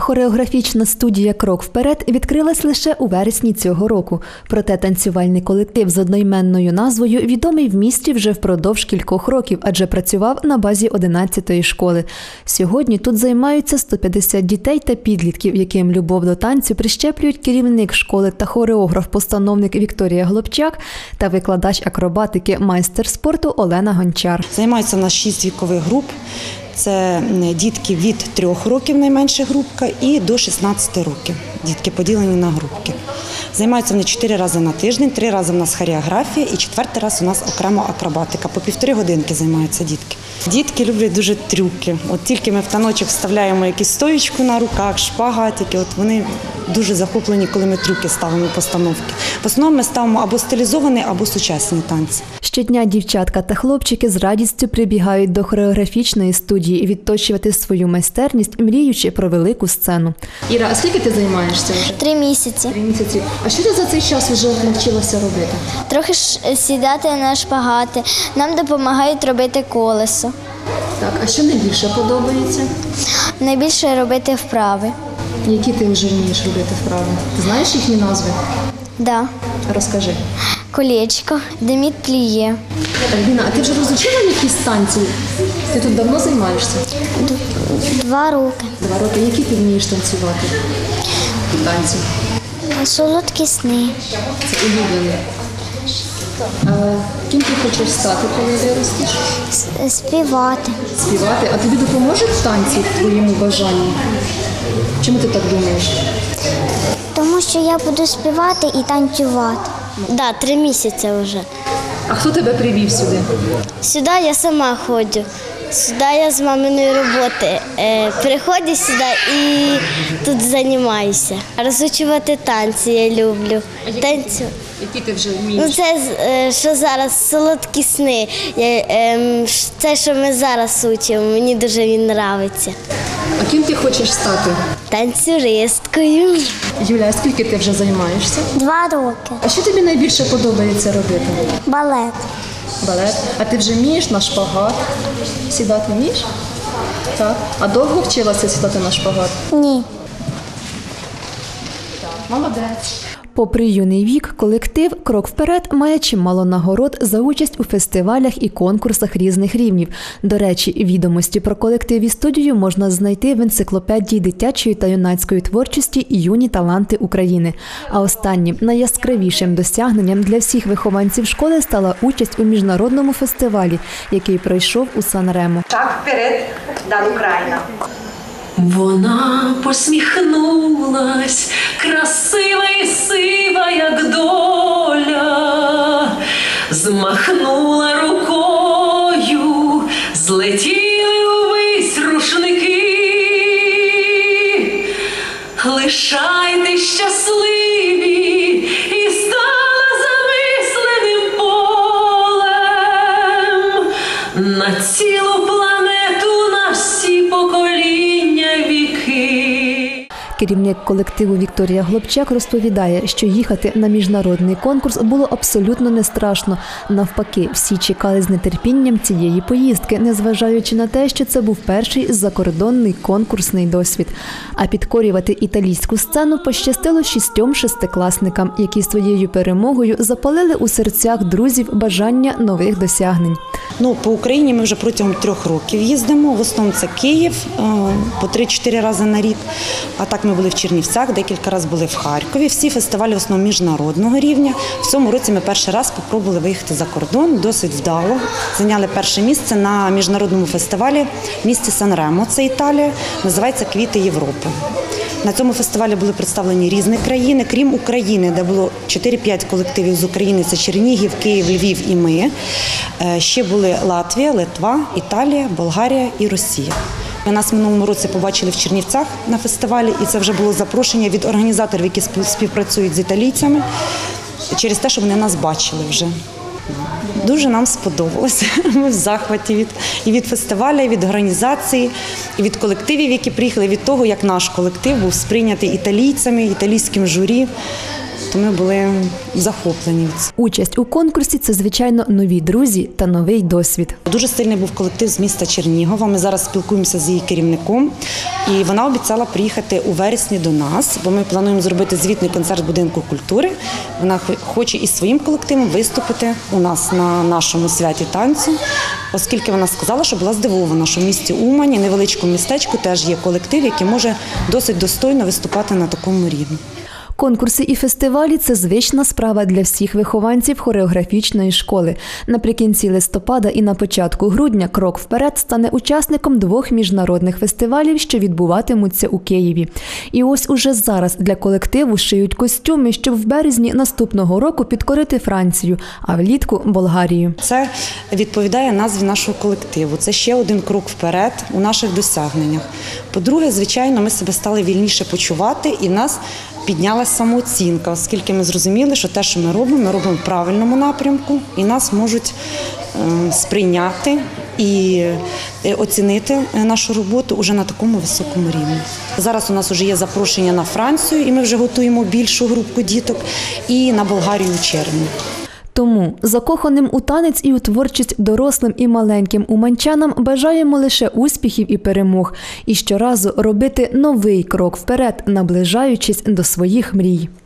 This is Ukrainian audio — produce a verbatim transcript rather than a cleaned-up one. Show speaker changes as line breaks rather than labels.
хореографічна студія «Крок вперед» відкрилась лише у вересні цього року. Проте танцювальний колектив з одноіменною назвою відомий в місті вже впродовж кількох років, адже працював на базі одинадцятої школи. Сьогодні тут займаються сто п'ятдесят дітей та підлітків, яким любов до танцю прищеплюють керівник школи та хореограф-постановник Вікторія Глобчак та викладач акробатики, майстер спорту Олена Гончар.
Займаються в нас шість вікових груп. Це дітки від трьох років, найменша групка, і до шістнадцяти років. Дітки поділені на групки. Займаються вони чотири рази на тиждень, три рази в нас хореографія і четвертий раз у нас окремо акробатика. По півтори годинки займаються дітки. Дітки люблять дуже трюки. От тільки ми в таночок вставляємо якусь стоєчку на руках, шпагатики, от вони дуже захоплені, коли ми трюки ставимо постановки. В основному ми ставимо або стилізовані, або сучасні танці.
Щодня дівчатка та хлопчики з радістю прибігають до хореографічної студії відточувати свою майстерність, мріючи про велику сцену.
Іра, а скільки ти займаєшся вже?
Три місяці.
Три місяці. А що ти за цей час вже навчилася робити?
Трохи ж сідати на шпагати. Нам допомагають робити колесо.
Так, а що найбільше подобається?
Найбільше робити вправи.
Які ти вже вмієш робити вправи? Ти знаєш їхні назви?
Да.
Розкажи.
Колечко, деміт пліє.
Альбіна, а ти вже розучила якісь танці? Ти тут давно займаєшся?
Два роки.
Два роки. Які ти вмієш танцювати? Танці.
Солодкі сни.
Це улюблені. А ким ти хочеш стати, коли виростеш?
Співати.
Співати. А тобі допоможуть танці твоєму бажанню? Чому ти так думаєш?
Тому що я буду співати і танцювати. Так, да, три місяці вже.
А хто тебе привів сюди?
Сюди я сама ходжу. Сюди я з маминої роботи. Е, приходжу сюди і тут займаюся. Розучувати танці я люблю. Танцю.
Які ти вже вмієш?
Ну, це, е, що зараз солодкі сни. Я, е, це, що ми зараз учимо, мені дуже він подобається.
А ким ти хочеш стати?
Танцюристкою.
Юля, а скільки ти вже займаєшся?
Два роки.
А що тобі найбільше подобається робити?
Балет.
Балет. А ти вже вмієш на шпагат? Сідати вмієш? Так. А довго вчилася сідати на шпагат?
Ні.
Молодець.
Попри юний вік, колектив «Крок вперед» має чимало нагород за участь у фестивалях і конкурсах різних рівнів. До речі, відомості про колектив і студію можна знайти в енциклопедії дитячої та юнацької творчості «Юні таланти України». А останнім, найяскравішим досягненням для всіх вихованців школи стала участь у міжнародному фестивалі, який пройшов у Сан-Ремо.
Шаг вперед, Дан Україна.
Вона посміхнулась, красива і сива, як доля, змахнула рукою, злетіли увесь рушники. Лишайте щасливі і стала замисленим полем на цілу планету, на всі покоління віки.
Керівник колективу Вікторія Глобчак розповідає, що їхати на міжнародний конкурс було абсолютно не страшно. Навпаки, всі чекали з нетерпінням цієї поїздки, незважаючи на те, що це був перший закордонний конкурсний досвід. А підкорювати італійську сцену пощастило шістьом шестикласникам, які своєю перемогою запалили у серцях друзів бажання нових досягнень.
Ну, по Україні ми вже протягом трьох років їздимо. В основному це Київ, по три-чотири рази на рік. А так ми були в Чернівцях, декілька разів були в Харкові. Всі фестивалі в основному міжнародного рівня. В цьому році ми перший раз спробували виїхати за кордон, досить вдало. Зайняли перше місце на міжнародному фестивалі в місті Сан-Ремо, це Італія, називається «Квіти Європи». На цьому фестивалі були представлені різні країни, крім України, де було чотири-п'ять колективів з України, це Чернігів, Київ, Львів і ми. Ще були Латвія, Литва, Італія, Болгарія і Росія. Нас в минулому році побачили в Чернівцях на фестивалі, і це вже було запрошення від організаторів, які співпрацюють з італійцями, через те, що вони нас бачили вже. Дуже нам сподобалося. Ми в захваті від, і від фестивалю, і від організації, і від колективів, які приїхали, і від того, як наш колектив був сприйнятий італійцями, італійським журі. То ми були захоплені від цього.
Участь у конкурсі – це, звичайно, нові друзі та новий досвід.
Дуже сильний був колектив з міста Чернігова. Ми зараз спілкуємося з її керівником. І вона обіцяла приїхати у вересні до нас, бо ми плануємо зробити звітний концерт будинку культури. Вона хоче із своїм колективом виступити у нас на нашому святі танцю, оскільки вона сказала, що була здивована, що в місті Умані, невеличкому містечку, теж є колектив, який може досить достойно виступати на такому рівні.
Конкурси і фестивалі – це звична справа для всіх вихованців хореографічної школи. Наприкінці листопада і на початку грудня «Крок вперед» стане учасником двох міжнародних фестивалів, що відбуватимуться у Києві. І ось уже зараз для колективу шиють костюми, щоб в березні наступного року підкорити Францію, а влітку – Болгарію.
Це відповідає назві нашого колективу. Це ще один крок вперед у наших досягненнях. По-друге, звичайно, ми себе стали вільніше почувати і в нас піднялася самооцінка, оскільки ми зрозуміли, що те, що ми робимо, ми робимо в правильному напрямку і нас можуть сприйняти і оцінити нашу роботу уже на такому високому рівні. Зараз у нас вже є запрошення на Францію, і ми вже готуємо більшу групку діток, і на Болгарію у червні.
Тому закоханим у танець і у творчість дорослим і маленьким уманчанам бажаємо лише успіхів і перемог. І щоразу робити новий крок вперед, наближаючись до своїх мрій.